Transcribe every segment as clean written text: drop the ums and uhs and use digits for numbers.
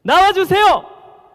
나와주세요.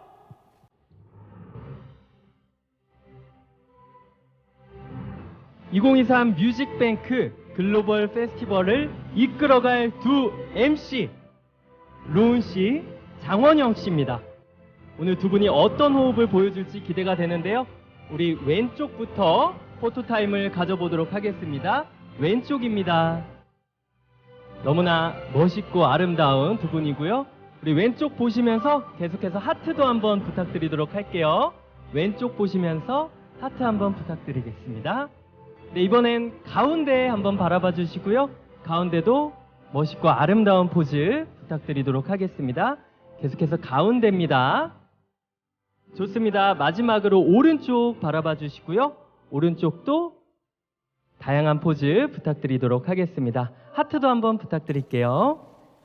(2023) 뮤직뱅크 글로벌 페스티벌을 이끌어갈 두 MC 로운 씨, 장원영 씨입니다. 오늘 두 분이 어떤 호흡을 보여줄지 기대가 되는데요. 우리 왼쪽부터 포토타임을 가져보도록 하겠습니다. 왼쪽입니다. 너무나 멋있고 아름다운 두 분이고요. 우리 왼쪽 보시면서 계속해서 하트도 한번 부탁드리도록 할게요. 왼쪽 보시면서 하트 한번 부탁드리겠습니다. 네, 이번엔 가운데 한번 바라봐 주시고요. 가운데도 멋있고 아름다운 포즈 부탁드리도록 하겠습니다. 계속해서 가운데입니다. 좋습니다. 마지막으로 오른쪽 바라봐 주시고요. 오른쪽도 다양한 포즈 부탁드리도록 하겠습니다. 하트도 한번 부탁드릴게요.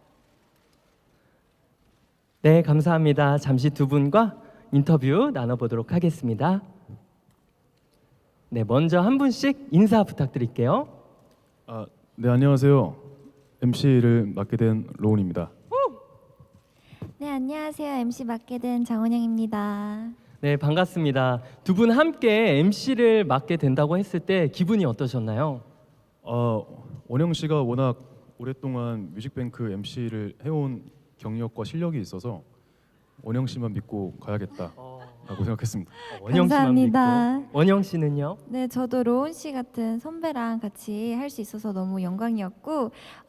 네, 감사합니다. 잠시 두 분과 인터뷰 나눠보도록 하겠습니다. 네, 먼저 한 분씩 인사 부탁드릴게요. 네, 안녕하세요. MC를 맡게 된 로운입니다. 네, 안녕하세요. MC 맡게 된 장원영입니다. 네, 반갑습니다. 두 분 함께 MC를 맡게 된다고 했을 때 기분이 어떠셨나요? 원영 씨가 워낙 오랫동안 뮤직뱅크 MC를 해온 경력과 실력이 있어서 원영 씨만 믿고 가야겠다라고 생각했습니다. 원영 씨만 감사합니다. 믿고. 원영 씨는요? 네, 저도 로운 씨 같은 선배랑 같이 할 수 있어서 너무 영광이었고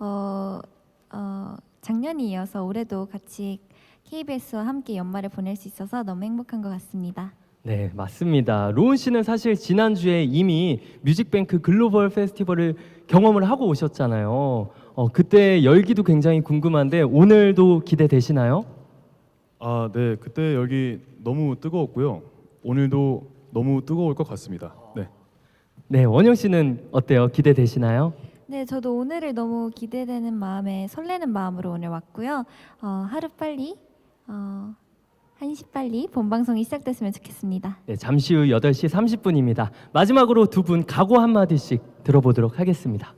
작년이 이어서 올해도 같이 KBS와 함께 연말을 보낼 수 있어서 너무 행복한 것 같습니다. 네, 맞습니다. 로운 씨는 사실 지난주에 이미 뮤직뱅크 글로벌 페스티벌을 경험을 하고 오셨잖아요. 그때 열기도 굉장히 궁금한데 오늘도 기대되시나요? 네, 그때 열기 너무 뜨거웠고요. 오늘도 너무 뜨거울 것 같습니다. 네. 네, 원영 씨는 어때요? 기대되시나요? 네, 저도 오늘을 너무 기대되는 마음에 설레는 마음으로 오늘 왔고요. 하루 빨리 1시 빨리 본방송이 시작됐으면 좋겠습니다. 네, 잠시 후 8시 30분입니다. 마지막으로 두 분 각오 한마디씩 들어보도록 하겠습니다.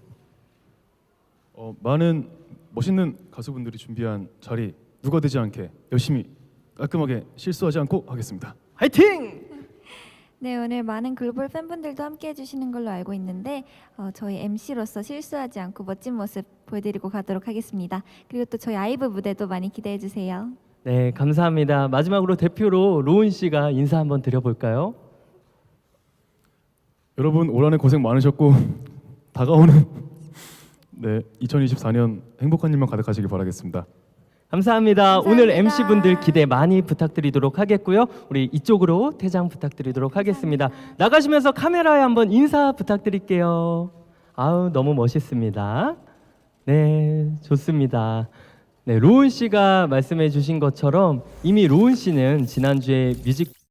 많은 멋있는 가수분들이 준비한 자리 누가 되지 않게 열심히 깔끔하게 실수하지 않고 하겠습니다. 화이팅! 네, 오늘 많은 글로벌 팬분들도 함께 해주시는 걸로 알고 있는데 저희 MC로서 실수하지 않고 멋진 모습 보여드리고 가도록 하겠습니다. 그리고 또 저희 아이브 무대도 많이 기대해 주세요. 네, 감사합니다. 마지막으로 대표로 로운 씨가 인사 한번 드려볼까요? 여러분 올 한해 고생 많으셨고 다가오는 2024년 행복한 일만 가득하시길 바라겠습니다. 감사합니다. 감사합니다. 오늘 MC분들 기대 많이 부탁드리도록 하겠고요. 우리 이쪽으로 퇴장 부탁드리도록 하겠습니다. 나가시면서 카메라에 한번 인사 부탁드릴게요. 아우, 너무 멋있습니다. 네, 좋습니다. 네, 로운 씨가 말씀해 주신 것처럼 이미 로운 씨는 지난주에 뮤직